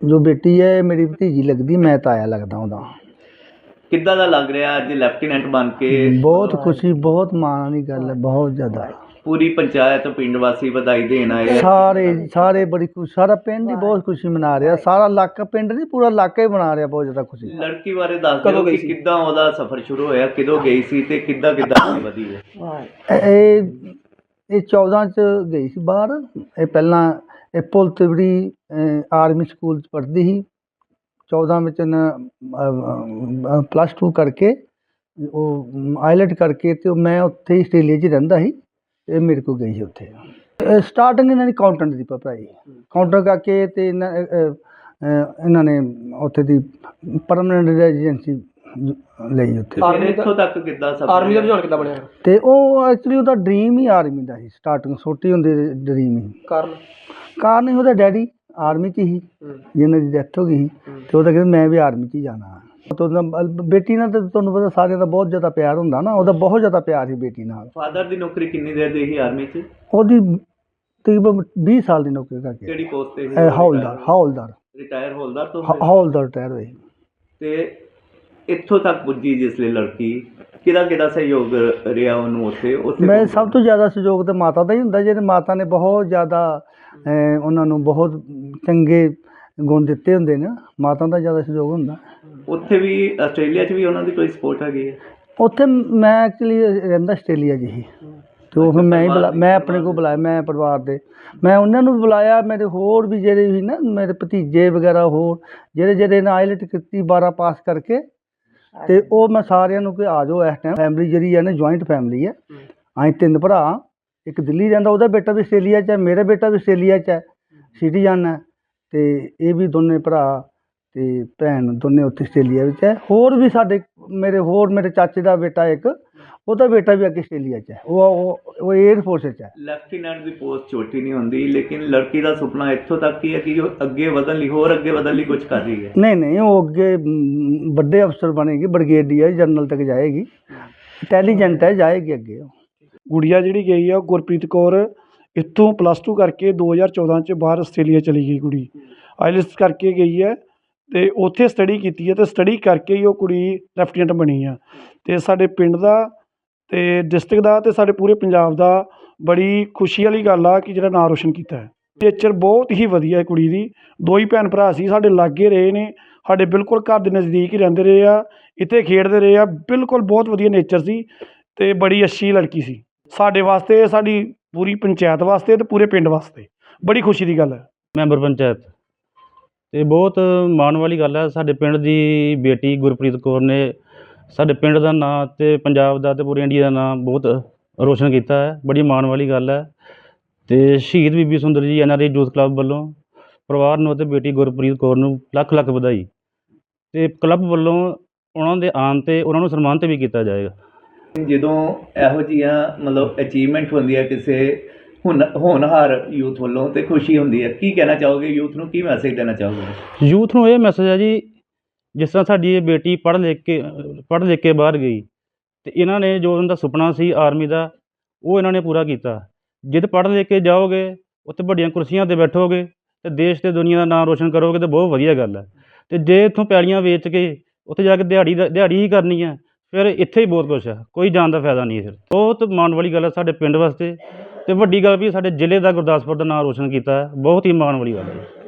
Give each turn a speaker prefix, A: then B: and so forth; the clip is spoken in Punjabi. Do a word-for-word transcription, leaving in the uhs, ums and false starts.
A: जो बेटी है मेरी भतीजी लगती, मैं ताया लगदा ਉਹਦਾ।
B: ਕਿੱਦਾਂ ਦਾ ਲੱਗ ਰਿਹਾ ਅੱਜ ਲੈਫਟੀਨੈਂਟ ਬਣ ਕੇ?
A: बहुत खुशी, बहुत माण वाली गल है, बहुत ज़्यादा।
B: पूरी पंचायत पिंड वासी बधाई देन आए हैं।
A: सारे सारे बड़ी खुश, सारा पिंड ही बहुत खुशी मना रहा, सारा इलाका, पिंड नहीं पूरा इलाका ही मना रहा बहुत ज़्यादा खुशी।
B: लड़की बारे दस दिओ कि किद्दां ओहदा सफर शुरू होया, किदों गई सी ते किद्दां किद्दां आगे वधी है?
A: ਇਹ ਚੌਦਾਂ 'ਚ ਗਈ ਸੀ ਬਾਹਰ। ਇਹ ਪਹਿਲਾਂ ਇਹ ਪੁਲ ਤਿਵੜੀ ਆਰਮੀ ਸਕੂਲ 'ਚ ਪੜ੍ਹਦੀ ਸੀ। ਚੌਦਾਂ ਵਿੱਚ ਇਹਨੇ ਪਲੱਸ ਟੂ ਕਰਕੇ ਉਹ ਆਈਲੈਟ ਕਰਕੇ ਅਤੇ ਉਹ ਮੈਂ ਉੱਥੇ ਹੀ ਆਸਟ੍ਰੇਲੀਆ 'ਚ ਹੀ ਰਹਿੰਦਾ ਸੀ। ਇਹ ਮੇਰੇ ਕੋਲ ਗਈ ਸੀ ਉੱਥੇ। ਸਟਾਰਟਿੰਗ ਇਹਨਾਂ ਦੀ ਅਕਾਊਂਟੈਂਟ ਦੀ ਪੜ੍ਹਾਈ, ਅਕਾਊਂਟੈਂਟ ਕਰਕੇ ਅਤੇ ਇਹਨਾਂ ਇਹਨਾਂ ਨੇ ਉੱਥੇ ਦੀ ਪਰਮਾਨੈਂਟ ਰੈਜ਼ੀਡੈਂਸੀ ਲਈ ਉੱਥੇ।
B: ਆਰਮੀ ਇੱਥੋਂ ਤੱਕ ਕਿੱਦਾਂ ਸਫਰ, ਆਰਮੀ ਦਾ ਰੁਝਾਨ ਕਿੱਦਾਂ ਬਣਿਆ? ਅਤੇ ਉਹ ਐਕਚੁਅਲੀ ਉਹਦਾ ਡਰੀਮ ਹੀ ਆਰਮੀ ਦਾ ਸੀ, ਸਟਾਰਟਿੰਗ ਛੋਟੀ ਹੁੰਦੀ ਡਰੀਮ ਹੀ। ਕਾਰਨ ਕਾਰਨ ਹੀ ਉਹਦਾ ਡੈਡੀ ਆਰਮੀ 'ਚ ਹੀ, ਜਿਹਨਾਂ ਦੀ ਡੈਥ ਹੋ ਗਈ ਸੀ, ਅਤੇ ਉਹਦਾ ਕਹਿੰਦਾ ਮੈਂ ਵੀ ਆਰਮੀ 'ਚ ਹੀ ਜਾਣਾ। ਉਹਦਾ ਬੇਟੀ ਨਾਲ ਤਾਂ ਤੁਹਾਨੂੰ ਪਤਾ ਸਾਰਿਆਂ ਦਾ ਬਹੁਤ ਜ਼ਿਆਦਾ ਪਿਆਰ ਹੁੰਦਾ ਨਾ, ਉਹਦਾ ਬਹੁਤ ਜ਼ਿਆਦਾ ਪਿਆਰ ਸੀ ਬੇਟੀ ਨਾਲ। ਫਾਦਰ ਦੀ ਨੌਕਰੀ ਕਿੰਨੀ ਦੇਰ ਦੀ ਸੀ ਆਰਮੀ 'ਚ?
A: ਉਹਦੀ ਤਕਰੀਬਨ ਵੀਹ ਸਾਲ ਦੀ ਨੌਕਰੀ ਕਰਕੇ।
B: ਕਿਹੜੀ ਪੋਸਟ 'ਤੇ?
A: ਹੌਲਦਾਰ। ਹੌਲਦਾਰ
B: ਰਿਟਾਇਰ ਹੌਲਦਾਰ ਤੋਂ?
A: ਹੌਲਦਾਰ ਰਿਟਾਇਰ ਹੋਏ।
B: ਅਤੇ ਇੱਥੋਂ ਤੱਕ ਪੁੱਜੀ ਜਿਸ ਲਈ ਲੜਕੀ, ਕਿਹਦਾ ਕਿਹਦਾ ਸਹਿਯੋਗ ਰਿਹਾ ਉਹਨੂੰ ਉੱਥੇ? ਉੱਥੇ
A: ਮੈਂ ਸਭ ਤੋਂ ਜ਼ਿਆਦਾ ਸਹਿਯੋਗ ਤਾਂ ਮਾਤਾ ਦਾ ਹੀ ਹੁੰਦਾ, ਜਿਹਦੇ ਮਾਤਾ ਨੇ ਬਹੁਤ ਜ਼ਿਆਦਾ ਉਹਨਾਂ ਨੂੰ ਬਹੁਤ ਚੰਗੇ ਗੁਣ ਦਿੱਤੇ ਹੁੰਦੇ ਨੇ, ਮਾਤਾ ਦਾ ਜ਼ਿਆਦਾ ਸਹਿਯੋਗ ਹੁੰਦਾ।
B: ਉੱਥੇ ਵੀ ਆਸਟ੍ਰੇਲੀਆ 'ਚ ਵੀ ਉਹਨਾਂ ਦੀ ਕੋਈ ਸਪੋਰਟ ਹੈਗੀ ਹੈ? ਉੱਥੇ
A: ਮੈਂ ਐਕਚੁਅਲੀ ਰਹਿੰਦਾ ਆਸਟ੍ਰੇਲੀਆ 'ਚ ਹੀ, ਅਤੇ ਉਹ ਫਿਰ ਮੈਂ ਹੀ ਬੁਲਾ ਮੈਂ ਆਪਣੇ ਕੋਲ ਬੁਲਾਇਆ, ਮੈਂ ਪਰਿਵਾਰ ਦੇ ਮੈਂ ਉਹਨਾਂ ਨੂੰ ਬੁਲਾਇਆ। ਮੇਰੇ ਹੋਰ ਵੀ ਜਿਹੜੇ ਵੀ ਨਾ ਮੇਰੇ ਭਤੀਜੇ ਵਗੈਰਾ ਹੋਰ ਜਿਹੜੇ ਜਿਹੜੇ ਨੇ ਆਈਲੈਟ ਕੀਤੀ ਬਾਰਾਂ ਪਾਸ ਕਰਕੇ, ਅਤੇ ਉਹ ਮੈਂ ਸਾਰਿਆਂ ਨੂੰ ਕਿ ਆ ਜਾਓ ਇਸ ਟਾਈਮ। ਫੈਮਿਲੀ ਜਿਹੜੀ ਹੈ ਨਾ ਜੁਆਇੰਟ ਫੈਮਿਲੀ ਹੈ। ਅਸੀਂ ਤਿੰਨ ਭਰਾ, ਇੱਕ ਦਿੱਲੀ ਰਹਿੰਦਾ, ਉਹਦਾ ਬੇਟਾ ਵੀ ਆਸਟ੍ਰੇਲੀਆ 'ਚ ਹੈ, ਮੇਰਾ ਬੇਟਾ ਵੀ ਆਸਟ੍ਰੇਲੀਆ 'ਚ ਹੈ, ਸਿਟੀਜ਼ਨ ਹੈ, ਅਤੇ ਇਹ ਵੀ ਦੋਨੇ ਭਰਾ ਅਤੇ ਭੈਣ ਦੋਨੇ ਉੱਥੇ ਆਸਟ੍ਰੇਲੀਆ ਵਿੱਚ ਹੈ। ਹੋਰ ਵੀ ਸਾਡੇ ਮੇਰੇ ਹੋਰ ਮੇਰੇ ਚਾਚੇ ਦਾ ਬੇਟਾ ਇੱਕ, ਉਹਦਾ ਬੇਟਾ ਵੀ ਅੱਗੇ ਆਸਟ੍ਰੇਲੀਆ 'ਚ ਹੈ, ਉਹ ਉਹ ਏਅਰ ਫੋਰਸ 'ਚ ਹੈ।
B: ਲੈਫਟੀਨੈਂਟ ਦੀ ਪੋਸਟ ਛੋਟੀ ਨਹੀਂ ਹੁੰਦੀ, ਲੇਕਿਨ ਲੜਕੀ ਦਾ ਸੁਪਨਾ ਇੱਥੋਂ ਤੱਕ ਹੀ ਹੈ ਕਿ ਉਹ ਅੱਗੇ ਵਧਣ ਲਈ, ਹੋਰ ਅੱਗੇ ਵਧਣ ਲਈ ਕੁਝ ਕਰ ਰਹੀ ਹੈ।
A: ਨਹੀਂ ਨਹੀਂ, ਉਹ ਅੱਗੇ ਵੱਡੇ ਅਫਸਰ ਬਣੇਗੀ, ਬ੍ਰਿਗੇਡੀਅਰ ਜਨਰਲ ਤੱਕ ਜਾਏਗੀ, ਇੰਟੈਲੀਜੈਂਟ ਹੈ, ਜਾਏਗੀ ਅੱਗੇ। ਉਹ
C: ਗੁੜੀਆ ਜਿਹੜੀ ਗਈ ਆ, ਗੁਰਪ੍ਰੀਤ ਕੌਰ, ਇੱਥੋਂ ਪਲੱਸ ਟੂ ਕਰਕੇ ਦੋ ਹਜ਼ਾਰ ਚੌਦਾਂ 'ਚ ਬਾਹਰ ਆਸਟ੍ਰੇਲੀਆ ਚਲੀ ਗਈ ਕੁੜੀ। ਆਈਲੈਟਸ ਕਰਕੇ ਗਈ ਹੈ ਅਤੇ ਉੱਥੇ ਸਟੱਡੀ ਕੀਤੀ ਹੈ, ਅਤੇ ਸਟੱਡੀ ਕਰਕੇ ਹੀ ਉਹ ਕੁੜੀ ਲੈਫਟੀਨੈਂਟ ਬਣੀ ਆ। ਅਤੇ ਸਾਡੇ ਪਿੰਡ ਦਾ ਅਤੇ ਡਿਸਟ੍ਰਿਕਟ ਦਾ ਅਤੇ ਸਾਡੇ ਪੂਰੇ ਪੰਜਾਬ ਦਾ ਬੜੀ ਖੁਸ਼ੀ ਵਾਲੀ ਗੱਲ ਆ ਕਿ ਜਿਹੜਾ ਨਾਂ ਰੋਸ਼ਨ ਕੀਤਾ ਹੈ। ਨੇਚਰ ਬਹੁਤ ਹੀ ਵਧੀਆ ਹੈ ਕੁੜੀ ਦੀ। ਦੋ ਹੀ ਭੈਣ ਭਰਾ ਸੀ, ਸਾਡੇ ਲਾਗੇ ਰਹੇ ਨੇ, ਸਾਡੇ ਬਿਲਕੁਲ ਘਰ ਦੇ ਨਜ਼ਦੀਕ ਹੀ ਰਹਿੰਦੇ ਰਹੇ ਆ, ਇੱਥੇ ਖੇਡਦੇ ਰਹੇ ਆ, ਬਿਲਕੁਲ ਬਹੁਤ ਵਧੀਆ ਨੇਚਰ ਸੀ ਅਤੇ ਬੜੀ ਅੱਛੀ ਲੜਕੀ ਸੀ। ਸਾਡੇ ਵਾਸਤੇ, ਸਾਡੀ ਪੂਰੀ ਪੰਚਾਇਤ ਵਾਸਤੇ ਅਤੇ ਪੂਰੇ ਪਿੰਡ ਵਾਸਤੇ ਬੜੀ ਖੁਸ਼ੀ ਦੀ ਗੱਲ ਹੈ।
D: ਮੈਂਬਰ ਪੰਚਾਇਤ ਅਤੇ ਬਹੁਤ ਮਾਣ ਵਾਲੀ ਗੱਲ ਹੈ। ਸਾਡੇ ਪਿੰਡ ਦੀ ਬੇਟੀ ਗੁਰਪ੍ਰੀਤ ਕੌਰ ਨੇ ਸਾਡੇ ਪਿੰਡ ਦਾ ਨਾਂ ਅਤੇ ਪੰਜਾਬ ਦਾ ਅਤੇ ਪੂਰੇ ਇੰਡੀਆ ਦਾ ਨਾਂ ਬਹੁਤ ਰੋਸ਼ਨ ਕੀਤਾ ਹੈ, ਬੜੀ ਮਾਣ ਵਾਲੀ ਗੱਲ ਹੈ। ਅਤੇ ਸ਼ਹੀਦ ਬੀਬੀ Sundar ji N R I youth club ਵੱਲੋਂ ਪਰਿਵਾਰ ਨੂੰ ਅਤੇ ਬੇਟੀ ਗੁਰਪ੍ਰੀਤ ਕੌਰ ਨੂੰ ਲੱਖ ਲੱਖ ਵਧਾਈ, ਅਤੇ ਕਲੱਬ ਵੱਲੋਂ ਉਹਨਾਂ ਦੇ ਆਉਣ 'ਤੇ ਉਹਨਾਂ ਨੂੰ ਸਨਮਾਨਿਤ ਵੀ ਕੀਤਾ ਜਾਏਗਾ।
B: ਜਦੋਂ ਇਹੋ ਜਿਹੀਆਂ ਮਤਲਬ ਅਚੀਵਮੈਂਟ ਹੁੰਦੀ ਹੈ ਕਿਸੇ ਹੁਣ ਹੋਣਹਾਰ ਯੂਥ ਵੱਲੋਂ, ਅਤੇ ਖੁਸ਼ੀ ਹੁੰਦੀ ਹੈ। ਕੀ ਕਹਿਣਾ ਚਾਹੋਗੇ ਯੂਥ ਨੂੰ, ਕੀ ਮੈਸੇਜ ਦੇਣਾ ਚਾਹੋਗੇ?
D: ਯੂਥ ਨੂੰ ਇਹ ਮੈਸੇਜ ਹੈ ਜੀ, ਜਿਸ ਤਰ੍ਹਾਂ ਸਾਡੀ ਇਹ ਬੇਟੀ ਪੜ੍ਹ ਲਿਖ ਕੇ ਪੜ੍ਹ ਲਿਖ ਕੇ ਬਾਹਰ ਗਈ, ਅਤੇ ਇਹਨਾਂ ਨੇ ਜੋ ਉਹਨਾਂ ਦਾ ਸੁਪਨਾ ਸੀ ਆਰਮੀ ਦਾ, ਉਹ ਇਹਨਾਂ ਨੇ ਪੂਰਾ ਕੀਤਾ। ਜਦ ਪੜ੍ਹ ਲਿਖ ਕੇ ਜਾਓਗੇ, ਉੱਥੇ ਵੱਡੀਆਂ ਕੁਰਸੀਆਂ 'ਤੇ ਬੈਠੋਗੇ ਅਤੇ ਦੇਸ਼ ਅਤੇ ਦੁਨੀਆ ਦਾ ਨਾਂ ਰੋਸ਼ਨ ਕਰੋਗੇ, ਤਾਂ ਬਹੁਤ ਵਧੀਆ ਗੱਲ ਹੈ। ਅਤੇ ਜੇ ਇੱਥੋਂ ਪੈਲੀਆਂ ਵੇਚ ਕੇ ਉੱਥੇ ਜਾ ਕੇ ਦਿਹਾੜੀ ਦਾ ਦਿਹਾੜੀ ਹੀ ਕਰਨੀ ਹੈ, ਫਿਰ ਇੱਥੇ ਹੀ ਬਹੁਤ ਕੁਛ ਹੈ, ਕੋਈ ਜਾਣ ਦਾ ਫਾਇਦਾ ਨਹੀਂ ਹੈ। ਫਿਰ ਬਹੁਤ ਮਾਣ ਵਾਲੀ ਗੱਲ ਹੈ ਸਾਡੇ ਪਿੰਡ ਵਾਸਤੇ, ਅਤੇ ਵੱਡੀ ਗੱਲ ਵੀ ਸਾਡੇ ਜ਼ਿਲ੍ਹੇ ਦਾ, ਗੁਰਦਾਸਪੁਰ ਦਾ ਨਾਂ ਰੋਸ਼ਨ ਕੀਤਾ ਹੈ, ਬਹੁਤ ਹੀ ਮਾਣ ਵਾਲੀ ਗੱਲ ਹੈ।